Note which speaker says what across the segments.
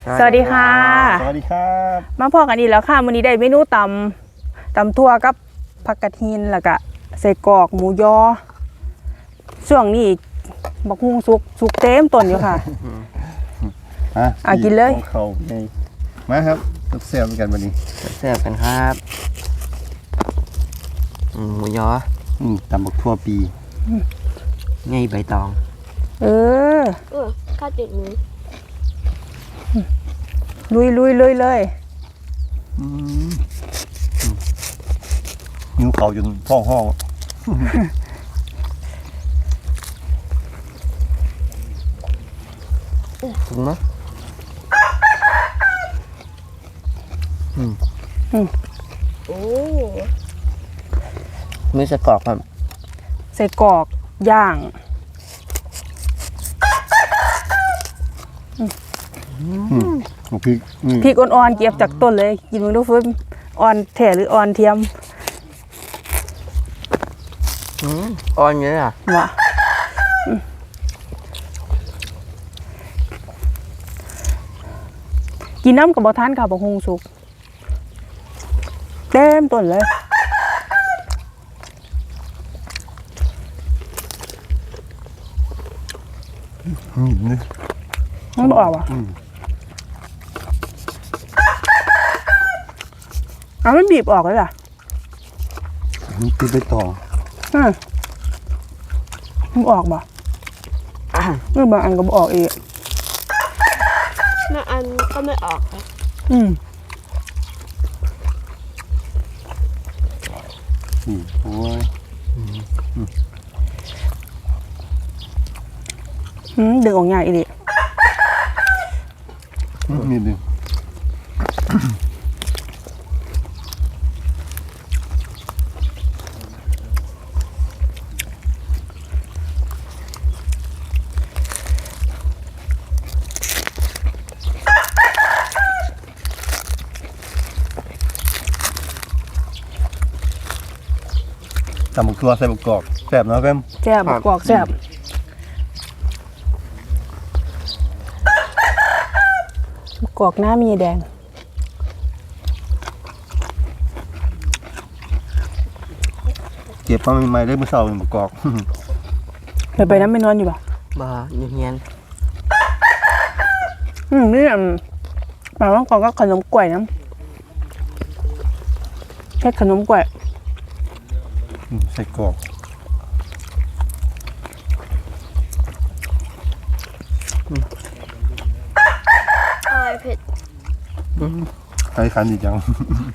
Speaker 1: สวัสดีค่ะ
Speaker 2: สวัสดีครับ
Speaker 1: มาพอกันอีกแล้วค่ะมื้อนี้ได้เมนูตำทั่วกับผักกระถินแล้วก็ใส่กรอกหมูยอช่วงนี้บักฮุ่งสุกเต็มต้นอยู่ค่ะกินเลย
Speaker 2: เขาในมาครับเสียบกันวันนี้
Speaker 3: เสียบกันครับหมูยอ
Speaker 2: ตำบักทั่วปี
Speaker 3: ไงใบตอง
Speaker 4: ข้าวติดมือ
Speaker 1: ลุยเลย
Speaker 2: นิ้วเขาจนท้องห้อง
Speaker 3: ถูกไหมมือสะกอกครับ
Speaker 1: ใส่กรอกย่างพริกอ่อนๆเก็บจากต้นเลยกินมึงดูฟื้นอ่อนแท้หรืออ่อนเทียม
Speaker 3: อ่อนเยอะอ่ะ
Speaker 1: วะกินน้ำกับบะทานกับบักฮุ่งสุกเต็มต้นเลยมันบอกว่ะมันบีบออกเลยล่ะ
Speaker 2: มันติดไปต่อ
Speaker 1: มันออกบ่บางอันก็ออกอีก
Speaker 4: บางอันก็ไม่ออกครับ
Speaker 2: โอ้ย
Speaker 1: ดึงออกง่ายอีก
Speaker 2: นิดนึงตำบักทั่วใส่บักกอกแซ่บเนาะเพิ่ม
Speaker 1: แซ่บบักกอกแซ่บกอกหน้ามีแดง
Speaker 2: เก็บมาใหม่ๆได้เมื่อเช้าเป็นบักกอก
Speaker 1: ไปน้ำไม่นอนอยู่ป่ะ
Speaker 3: บ่เงียน
Speaker 1: นี่ปลาว่างกอกก็ขนมกล้วยน้ำแค่ขนมกล้วย
Speaker 2: ใส่กรอก
Speaker 4: เผ็ด
Speaker 2: ใครคันดีจัง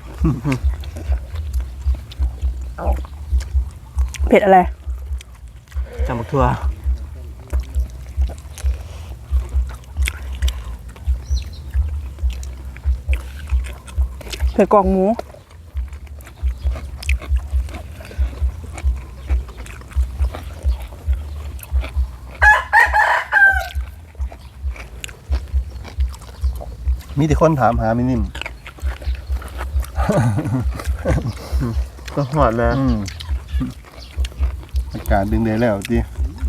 Speaker 1: เผ็ดอะไร
Speaker 3: จำบักทั่ว
Speaker 1: เผ็ดกรอกหมู
Speaker 2: มีแต่คนถามหาไม่นิ่ม
Speaker 3: ก็หอดเลย
Speaker 2: อากาศดึงได้แล้วจี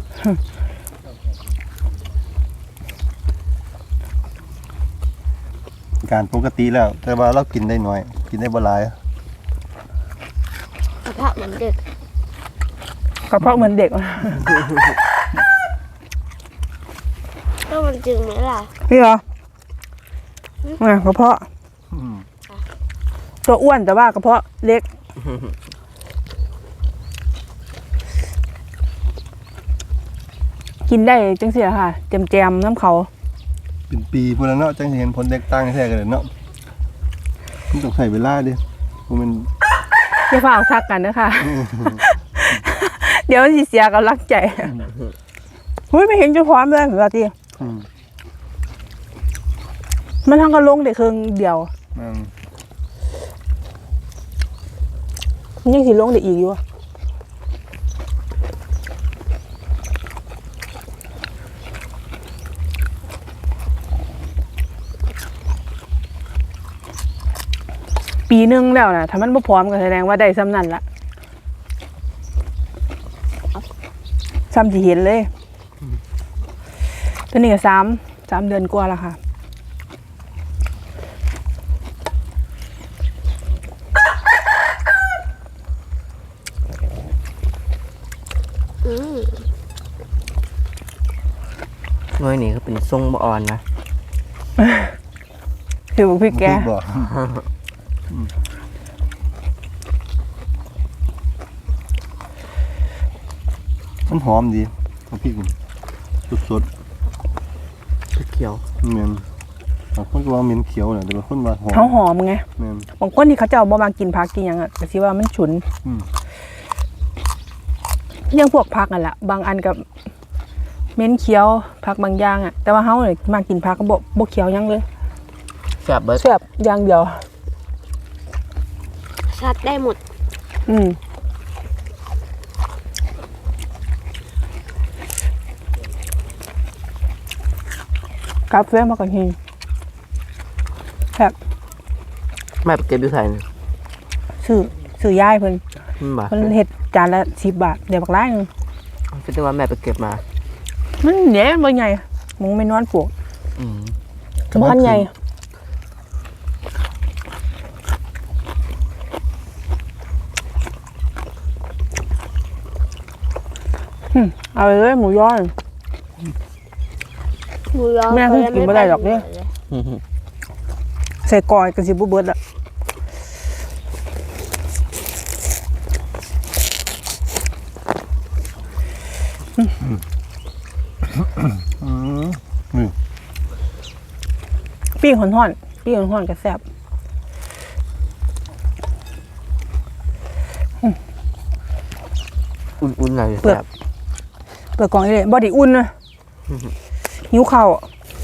Speaker 2: การปกติแล้วแต่ว่าเรากินได้น้อยกินได้บ่หลาย
Speaker 4: กระเพาะเหมือนเด็กก็มันจึงไหมล่ะ
Speaker 1: นี่เหรอกระเพาะตัวอ้วนแต่ว่ากระเพาะเล็กกินได้จังเสียค่ะแจมน้ำเขา
Speaker 2: เป็นปีพวกนั้นเนาะจังเห็นผลแตกต่างแท้กันเลยเนาะมันต้องใส่เวลาดิมัน
Speaker 1: อย่าฝากทักกันนะคะเดี๋ยวสิเสียกับรักใจไม่เห็นจะพร้อมเลยเหมือนกันทีมันทั้งกระลงเด็กเครื่องเดียวยังสิลงเด็กอีกอยู่ปีนึงแล้วนะถ้ามันไม่พร้อมก็แสดงว่าได้ซ้ำนั่นละซ้ำที่เห็นเลยตัวนี้ก็3 เดือนกว่าแล้วค่ะ
Speaker 3: หน่วยนี้ก็เป็นทรงบ่อ่อนนะ
Speaker 1: คือบอกพี่แก
Speaker 2: พริบ่มันหอมดีเอาพริกสด
Speaker 3: เขียว
Speaker 2: ๆแม่นบางคนก็ว่าเหม็นเขียวน่ะแต่บางคนว่าหอม
Speaker 1: เขาหอมไง
Speaker 2: แม่น
Speaker 1: บางคนที่เขาเจ้าบ่มากินผักกินหยังอ่ะก็สิว่ามันฉุน
Speaker 2: อืม
Speaker 1: ยังพวกผักนั่นแหละบางอันกับเม้นเขียวผักบางอย่างอ่ะแต่ว่าเฮาเนี่ยมากินผักก็บ่เขียวหยังเลย
Speaker 3: แซ่บเบิด
Speaker 1: แซ่บอย่างเดียว
Speaker 4: ชัดได้หมด
Speaker 1: อืมกาแฟมาก่อนหิงแบบ
Speaker 3: แม่ไปเก็บอยู่ไสนี่
Speaker 1: ซื้อย่ายเพิ่น
Speaker 3: บ่
Speaker 1: เพิ่นเฮ็ดจานละ10 บาทเดี๋ยวบักหลายหนึง
Speaker 3: คิดว่าแม่ไปเก็บมา
Speaker 1: มันใหญ่บ่ใหญ่มึงไม่นอนปลูก
Speaker 3: อืม
Speaker 1: สำคัญใหญ่เอาไปเลยหมูยอ
Speaker 4: หมูยอ
Speaker 1: แม่เพิ่งกินบ่ได้หรอกเนี่ย ใส่กอยก็สิบ่เบิดละ
Speaker 2: อืมนี่
Speaker 1: ปิ้งห่อนๆปิ้งห่อนๆก็แซ่บ
Speaker 3: อุ่นๆหน่อย
Speaker 1: เปลือก
Speaker 3: แซ่บ
Speaker 1: เปลือกกองนี่เลยบ่ได้อุ่นนะหิวข้าวอะ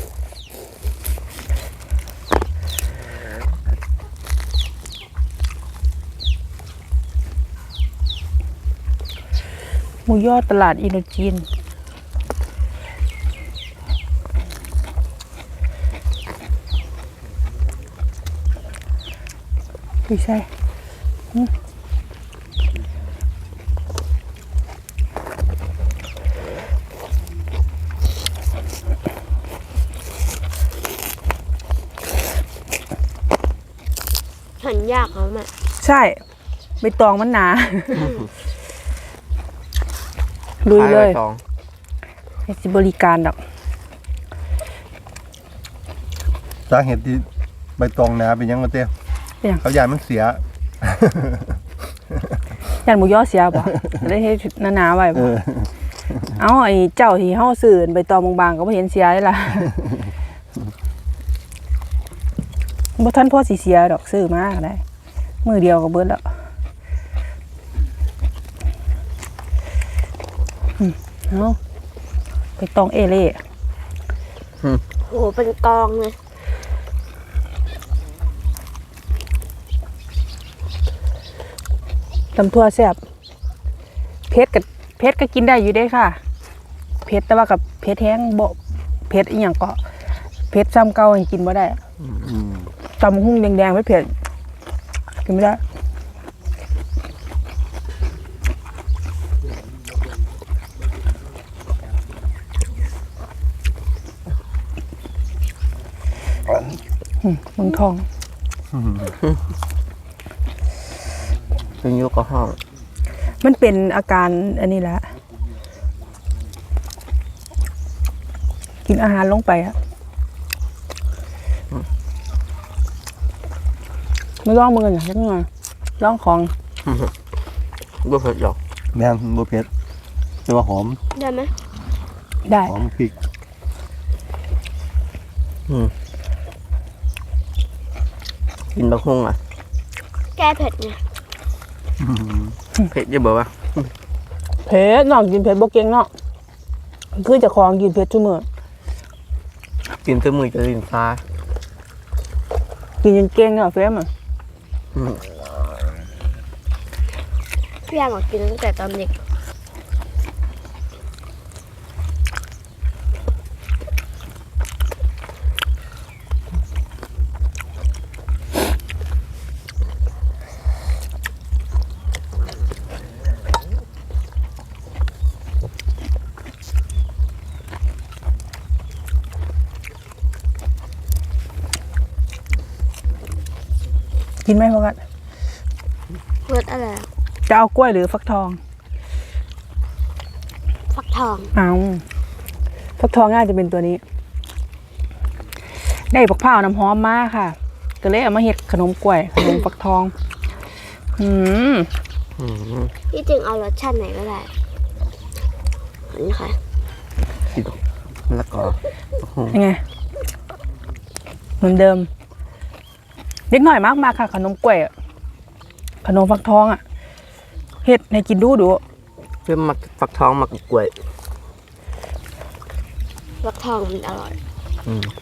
Speaker 1: หมูยอตลาดอินโดจีนไม่ใช่
Speaker 4: หั่นยากเหรอแม่
Speaker 1: ใช่ใบตองมันหนา ลุยเลย
Speaker 3: ขใบตอง
Speaker 1: ให้สิบริการดอก
Speaker 2: สาเหตุที่ใบตองหนาเป็นหยังมาเต้
Speaker 1: เป็นหยัง
Speaker 2: เขายานมันเสีย
Speaker 1: ย่านหมูยอเสียบ่ ได้เฮ็ดหนาๆไว้
Speaker 2: เอ
Speaker 1: บ่
Speaker 2: อ
Speaker 1: เอาไอ้เจ้าที่เฮาซื้อใบตองบางๆก็บ่เห็นเสียเลยล่ะ บ่ทันพอสิเสียดอกซื้อมาก็ได้ มื้อเดียวก็เบิดแล้วเอาใบตองเอเล่
Speaker 4: โอ้โหเป็นกองเลย
Speaker 1: ตำทั่วแซ่บเผ็ดก็กินได้อยู่เด้ค่ะเผ็ดแต่ว่ากับเผ็ดแห้งบ่เผ็ดอีหยังก็เผ็ดซ้ำเก่าให้กินบ่ได้
Speaker 2: อืม
Speaker 1: ตำหุ่งแดงๆไม่เผ็ดกินไม่ได้มึงทอง
Speaker 3: เป็นยุกกับห้อง
Speaker 1: มันเป็นอาการอันนี้แหละกินอาหารลงไปอะไม่ร้องมืออย่างนี้ไงร้องของ
Speaker 3: บ่เผ็ดหรอก
Speaker 2: แม่นบ่เผ็ดแต่ว่าหอม
Speaker 4: ได้ไหม
Speaker 1: ได้
Speaker 2: หอมพริก
Speaker 3: กินบักฮุ่งอ่ะ
Speaker 4: แก้เผ็ดไง
Speaker 3: เผ็ดจะบอกว่า
Speaker 1: เผ็ดน้องกินเผ็ดโบเก่งเนาะคือเจะของกินเผ็ดชั่วโมง
Speaker 3: กินตัวมือจะลิ้นฟ้า
Speaker 1: กินจนเก่งเนาะเฟรมอ่ะ
Speaker 4: พี่ยางบอกกินตั้งแต่ตอนเด็ก
Speaker 1: กินไหมพวกกัน
Speaker 4: รสอะไรอะ
Speaker 1: จะเอากล้วยหรือฟักทอง
Speaker 4: ฟักทอง
Speaker 1: เอาสฟักทองน่าจะเป็นตัวนี้ ได้ผักเผาวน้ำหอมมากค่ะ ก็เลยเอามาเฮ็ดขนมกล้วยขนมฟักทอง
Speaker 3: อืม
Speaker 4: ที่จริงเอารสชาติไหนก็ได้นี่ค่ะ
Speaker 3: กินแล้วก็
Speaker 1: ยังไงเหมือนเดิมเล็กหน่อยมากค่ะ ขนมกล้วยอะขนมฟักทองอ่ะเฮ็ดให้กินดู
Speaker 3: เพื่อมักฟักทองมักกล้วย
Speaker 4: ฟักทองมันอร่อย
Speaker 3: อืม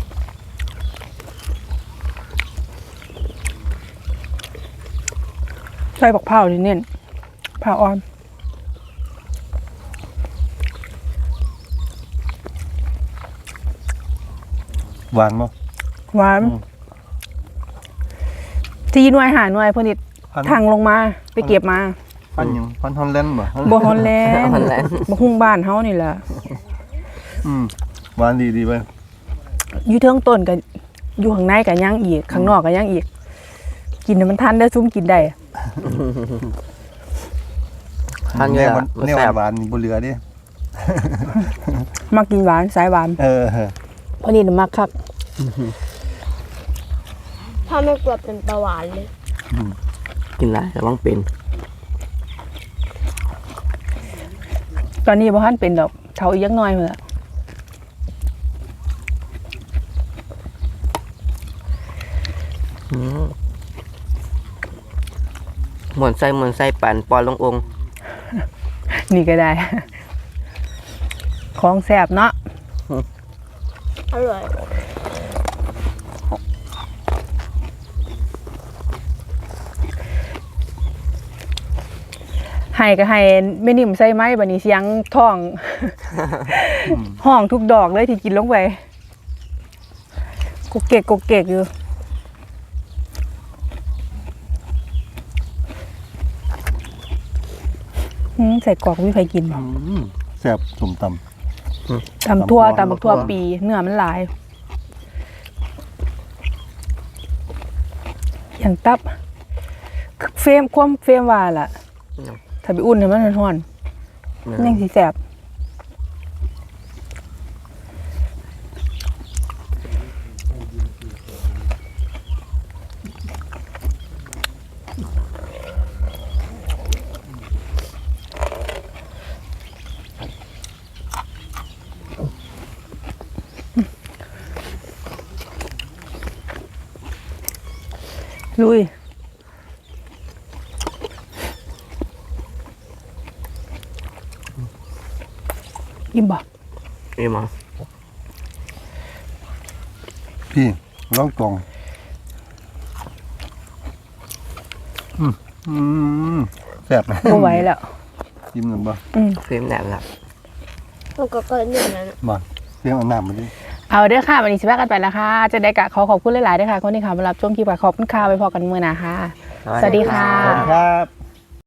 Speaker 1: ใส่ผักเผาวนี่เน้นผักอ่อน
Speaker 2: หวานบ่
Speaker 1: หวานที่หน่วยหาหน่วยเพนนิด
Speaker 2: พัน
Speaker 1: ทางลงมาไปเก็บมา
Speaker 2: พันหยังพันฮอลแลนด์บ่
Speaker 1: บ่ฮอนแลนด์
Speaker 3: มันแหละ
Speaker 1: บ่ฮุ่งบ้านเฮานี่แหละ
Speaker 2: หวานดีไป
Speaker 1: อยู่เทิงต้นก็อยู่ข้างในก็ย่างอีกข้างนอกก็ย่างอีก กินให้มันทันได้อซุ่มกินได้
Speaker 3: ทานเย
Speaker 2: แน
Speaker 3: อะ
Speaker 2: ว
Speaker 3: มัน
Speaker 2: แนว
Speaker 3: แซ่บ
Speaker 2: หวานนี่บ่เหลือเด้
Speaker 1: มักกินหวานสายหวาน เพราะนี่น่ะมักคัก
Speaker 4: ถ้าไม่กลัวเป็นเบาหวานเลย
Speaker 3: กินแล้วจะต้องเป็น
Speaker 1: ตอนนี้บ่ทันเป็นดอกเฒ่าอีกจักหน่อยพุ่นล่ะ
Speaker 3: เหมือนไส้ปั่นปอนลงองค์
Speaker 1: นี่ก็ได้ ของแซ่บเนาะ
Speaker 4: อร่อย
Speaker 1: ให้ก็ให้ไม่นิ่มใส่ไม้บัดนี้เสียงท้อง ห้องทุกดอกเลยที่กินลงไปกกเกกอยู่ใส่กรอกไม่ใครกินบ่
Speaker 2: แซ่บสมตำ
Speaker 1: ตำทั่ว
Speaker 2: ตำบักทั่
Speaker 1: ทั่ว
Speaker 2: ว
Speaker 1: ปีเนื้อมันหลาย อย่างตับเฟรมว่าล่ะ ถ้าไปอุ่นให้มันร้อนๆยังสิแสบลุยอิ่มบ่
Speaker 3: นี่มา
Speaker 2: พี่ร้องกล่องแซ่บนะ
Speaker 1: บ่ไหวแล้ว
Speaker 2: ยิ้มหนึ่งบ่
Speaker 3: เฟรมแหนบละ
Speaker 4: มันก็เกินหนึ่งแล้วนะ
Speaker 2: บ่เรื่องเอาน้ำมาดิ
Speaker 1: เอาเด้อค่ะ วันนี้สิพากันไปแล้วค่ะ จะได้กะขอขอบคุณหลายๆด้วยค่ะ คนที่เข้ามารับชมคลิปค่ะขอบคุณค่ะไปพอกันมื้อหน้าค่ะ สวัสดีค่ะ
Speaker 2: สวัสดีครับ